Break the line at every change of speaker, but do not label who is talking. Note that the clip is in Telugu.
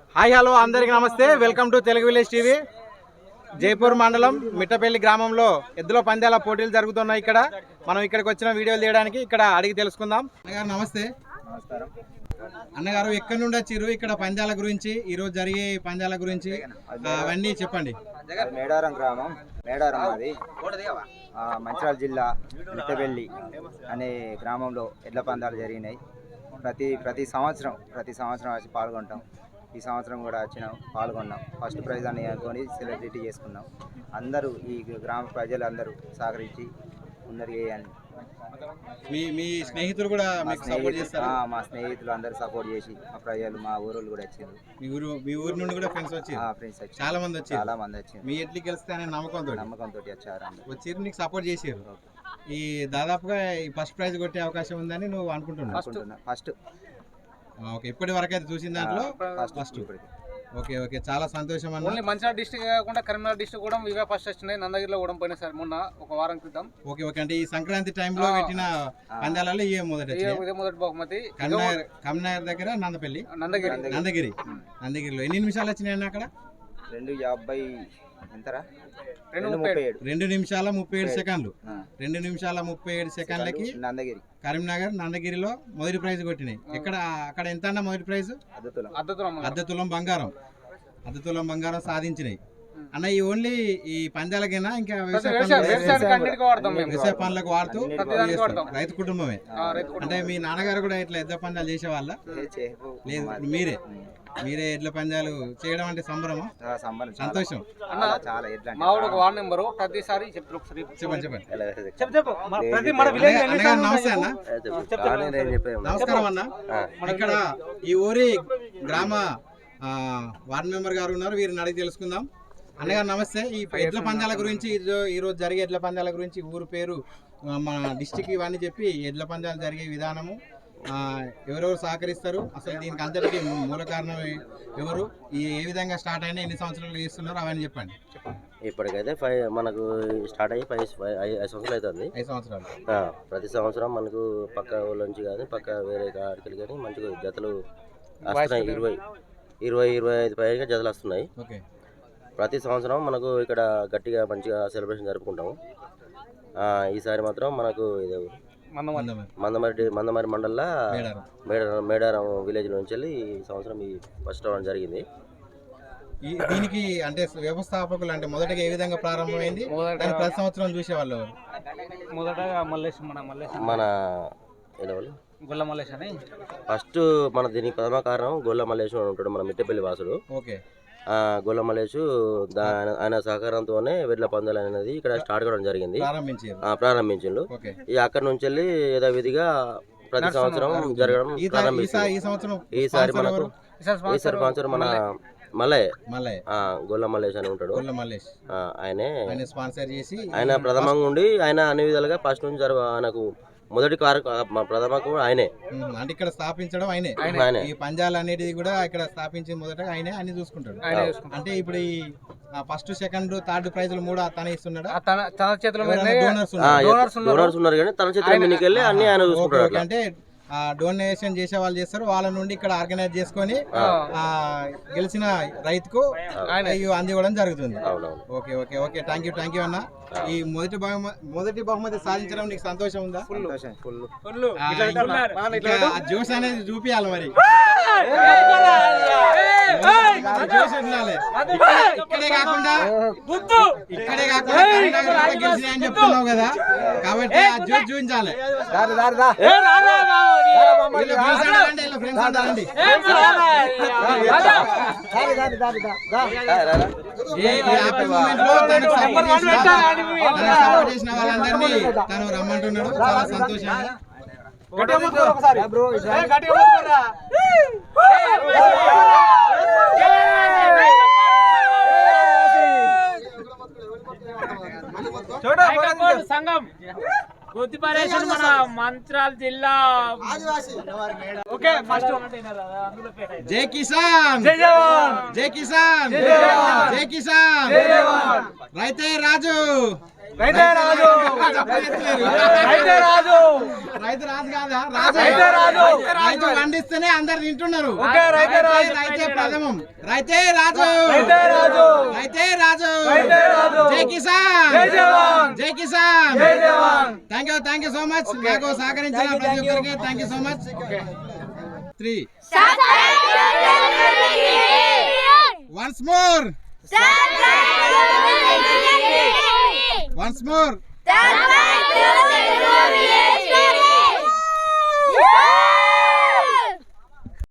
హాయ్ హలో అందరికీ నమస్తే. Welcome to Telugu village TV. Jaipur మండలం మిట్టపల్లి గ్రామంలో ఎద్దుల పందాల పోటీలు జరుగుతున్నాయి. ఇక్కడ మనం ఇక్కడికి వచ్చిన వీడియోలు తీయడానికి ఇక్కడ అడిగి తెలుసుకుందాం. అన్నగారు నమస్తే.
నమస్కారం
అన్నగారు ఎక్కడి నుండి వచ్చారు? ఇక్కడ పందాల గురించి, ఈ రోజు జరిగే పందాల గురించి అవన్నీ చెప్పండి.
మేడారం గ్రామం, మేడారం అది మంచిర్యాల జిల్లా మిట్టపల్లి అనే గ్రామంలో ఎడ్ల పందాలు జరిగినాయి. ప్రతి సంవత్సరం వచ్చి పాల్గొంటాం. ఈ సంవత్సరం కూడా వచ్చినాం, పాల్గొన్నాం. ఫస్ట్ ప్రైజ్ అని అనుకొని సెలబ్రిటీ చేసుకున్నాం. అందరూ ఈ గ్రామ ప్రజలందరూ సహకరించి ముందరు చేయండి.
మీ స్నేహితులు కూడా మీకు సపోర్ట్ చేస్తారా?
మా స్నేహితులు అందరూ సపోర్ట్ చేసి మా ప్రజలు, మా ఊరోళ్ళు కూడా వచ్చారు.
మీ ఊరు నుండి కూడా ఫ్రెండ్స్ వచ్చారు?
ఫ్రెండ్స్ వచ్చారు,
చాలా మంది
వచ్చారు.
మీ ఎడ్లకి గెలిస్తే అనే నమ్మకంతో
వచ్చారు,
వచ్చారు, నీకు సపోర్ట్ చేసారు. ఈ దాదాపుగా ఈ ఫస్ట్ ప్రైజ్ కొట్టే అవకాశం ఉందని నువ్వు అనుకుంటున్నా?
ఫస్ట్
ఓకే, ఇప్పటి వరకు అయితే చూసిన దాంట్లో ఫస్ట్. ఓకే ఓకే, చాలా సంతోషం అన్న.
ఓన్లీ మంచిర్యాల డిస్ట్రిక్ట్ కాకుండా కరీంనగర్ డిస్ట్రిక్ట్ కూడా ఇవే ఫస్ట్ వచ్చినాయి. నందగిరిలో కూడా పోయినా సార్ మొన్న ఒక వారం క్రితం.
ఓకే ఓకే, అంటే ఈ సంక్రాంతి టైంలో పెట్టిన పందాలలో ఇదే మొదటి
బహుమతి.
కరీంనగర్ దగ్గర నందగిరిలో ఎన్ని నిమిషాలు వచ్చినాయి అక్కడ?
2:50 ఎంతరా?
2 నిమిషాల 37 సెకండ్లు. 2 నిమిషాల 37 సెకండ్లకి కరీంనగర్ నందగిరిలో మొదటి ప్రైజ్ కొట్టినాయి. అక్కడ ఎంత అన్న మొదటి ప్రైజ్? అర్ధ తులం బంగారం సాధించినాయి అన్న. ఈ ఓన్లీ ఈ పందాలకైనా ఇంకా వ్యవసాయ పనులకు వాడుతూ రైతు కుటుంబమే. అంటే మీ నాన్నగారు కూడా ఇట్లా ఎద్ల పందాలు చేసేవాళ్ళ? లేదు, మీరే ఎడ్ల పందాలు చేయడం అంటే సంబరమా? సంతోషం.
మావాడు ఒక వార్డ్ నెంబరు ప్రతిసారి
చెప్పండి. నమస్తే అన్న. నమస్కారం అన్న. ఇక్కడ ఈ ఊరి గ్రామ వార్డ్ మెంబర్ గారు ఉన్నారు, వీరిని అడిగి తెలుసుకుందాం. అన్నగారు నమస్తే. ఈ ఎడ్ల పందాల గురించి, ఈ రోజు జరిగే ఎడ్ల పందాల గురించి, ఊరు పేరు, మన డిస్టిక్ ఇవన్నీ చెప్పి ఎడ్ల పందాలు జరిగే విధానము, ఎవరెవరు సహకరిస్తారు, అసలు దీనికి అంతటికి మూల కారణం ఎవరు, ఏ విధంగా స్టార్ట్ అయినా, ఎన్ని సంవత్సరాలు చేస్తున్నారు, అవన్నీ చెప్పండి.
ఇప్పటికైతే మనకు స్టార్ట్ అయ్యి 5 సంవత్సరాలు అవుతుంది.
5 సంవత్సరాలు.
ప్రతి సంవత్సరం మనకు పక్క ఊళ్ళ నుంచి కానీ పక్క వేరే ఆడికలు కానీ మంచిగా జతలు వస్తున్నాయి. 20-25 పైగా జతలు వస్తున్నాయి.
ఓకే, ప్రతి
సంవత్సరం మనకు ఇక్కడ గట్టిగా మంచిగా సెలబ్రేషన్ జరుపుకుంటాము. ఈసారి మాత్రం మనకు ఇది మందమరి మండలంలో మేడారం విలేజ్ నుంచి వెళ్ళి ఈ సంవత్సరం ఈ ఫస్ట్ రౌండ్ జరిగింది.
దీనికి అంటే వ్యవస్థాపకులు అంటే మొదటగా ఏ విధంగా ప్రారంభమైంది? ప్రతి సంవత్సరం చూసేవాళ్ళు
మన
గొల్ల మల్లేష్ అని
ఫస్ట్ మన దీనికి ప్రథమ కారణం గొల్ల మల్లేష్ ఉంటాడు, మన మిట్టపల్లి వాసుడు.
ఓకే,
గొల్ల మల్లేష్ ఆయన సహకారంతోనే వెడ్ల పందాలు అనేది ఇక్కడ స్టార్ట్ కావడం జరిగింది, ప్రారంభించిండు. అక్కడి నుంచి వెళ్ళి యథావిధిగా ప్రతి సంవత్సరం జరగడం ప్రారంభించింది. ఈసారి స్పాన్సర్ మన మల్లయ్య, గొల్ల మల్లేష్ అని ఉంటాడు. ఆయనే
స్పాన్సర్ చేసి
ఆయన ప్రథమంగా ఉండి ఆయన అన్ని విధాలుగా ఫస్ట్ నుంచి ఆయనకు మొదటి ప్రథమకు ఆయనే.
అంటే ఇక్కడ స్థాపించడం ఆయనే. ఈ పంజాలు అనేది కూడా ఇక్కడ స్థాపించి మొదట ఆయనే అన్ని చూసుకుంటాడు. అంటే ఇప్పుడు ఈ ఫస్ట్ సెకండ్ థర్డ్ ప్రైజ్లు 3 తనే ఇస్తున్నాడు.
తన చేతిలో
డోనర్స్ ఉన్నారు కానీ తన చేతిలో మీదకెళ్ళి అన్ని ఆయన చూసుకుంటాడు.
అంటే డొనేషన్ చేసే వాళ్ళు చేస్తారు, వాళ్ళ నుండి ఇక్కడ ఆర్గనైజ్ చేసుకొని గెలిచిన రైతుకు అందివ్వడం జరుగుతుంది. Okay okay okay, thank you అన్న. ఈ మొదటి బహుమతి సాధించడం నీకు సంతోషం ఉందా? జోష్ అనేది చూపియాలి మరి, జోష్ ఉండాలి. ఇక్కడే కాకుండా గెలిచినాయని చెప్తున్నావు కదా, కాబట్టి ఆ జోష్ చూపించాలి. చేసిన వాళ్ళందరినీ తను రమ్మంటున్నాడు. చాలా సంతోషంగా
సంఘం మన మంచిర్యాల జిల్లా.
జై కిసాన్, జై కిసాన్, జై కిసాన్, రైతే రాజు.
రైతే రాజు రైతే రాజు
రైతు రాజు కాదా
రైతే రాజు
రైతు పండిస్తేనే అందరు తింటున్నారు.
ఓకే రైతే రాజు
రైతే ప్రథమం. రైతే రాజు
రైతే రాజు
రైతే రాజు
రైతే రాజు
జై కిసాన్
జై జవాన్
జై కిసాన్
జై జవాన్.
Thank you so much. నాకు సహకరించిన ప్రతి ఒక్కరికి thank you so much. 3 once more once more